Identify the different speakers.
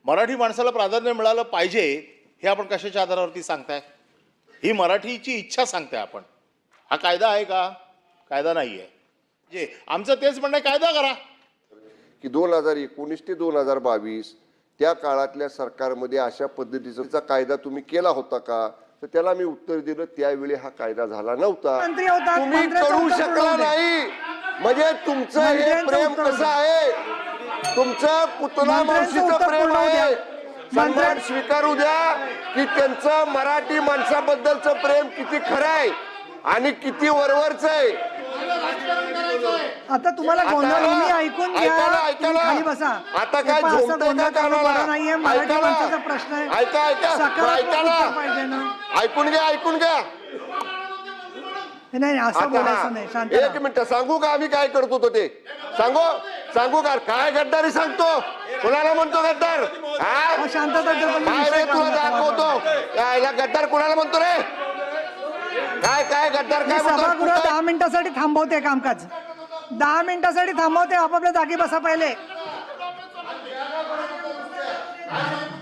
Speaker 1: मराठी माणसाला प्राधान्य मिळालं पाहिजे हे आपण कशाच्या आधारावरती सांगताय? ही मराठीची इच्छा सांगताय आपण. हा कायदा आहे का? कायदा नाही आहे. जे आमचं तेच म्हणणं आहे, कायदा करा
Speaker 2: की 2019 ते 2022 त्या काळातल्या सरकारमध्ये अशा पद्धतीचा कायदा तुम्ही केला होता का? तर त्याला मी उत्तर दिलं, त्यावेळी हा कायदा झाला नव्हता. तुम्ही करू शकला नाही. म्हणजे तुमचं हे प्रेम कसं आहे? तुमचं पुतला मावशीचं प्रेम आहे. सन्मान स्वीकारू द्या की त्यांचं मराठी माणसाबद्दलचं प्रेम किती खरं आहे आणि किती वरवरच आहे.
Speaker 3: आता तुम्हाला गोंधळ मी ऐकून घ्या. खाली बसा.
Speaker 2: आता काय झोपतंय का कानाला?
Speaker 3: नाहीये, मराठी माणसाचा प्रश्न आहे.
Speaker 2: ऐका ऐका
Speaker 3: पाहिजे ना.
Speaker 2: ऐकून घ्या, ऐकून घ्या.
Speaker 3: नाही असं बोलायचं नाही. शांत
Speaker 2: एक मिनिट सांगू का आम्ही काय करतो तो ते सांगू का? काय गद्दारी सांगतो? कुणाला म्हणतो गद्दार?
Speaker 3: शांतता
Speaker 2: काय रे तुला दाखवतो? काय गद्दार कुणाला म्हणतो रे? काय गद्दार काय म्हणतो?
Speaker 3: सभागृह 10 मिनिटासाठी थांबवते कामकाज. 10 मिनिटासाठी थांबवते. आपापल्या जागी बसा पहिले.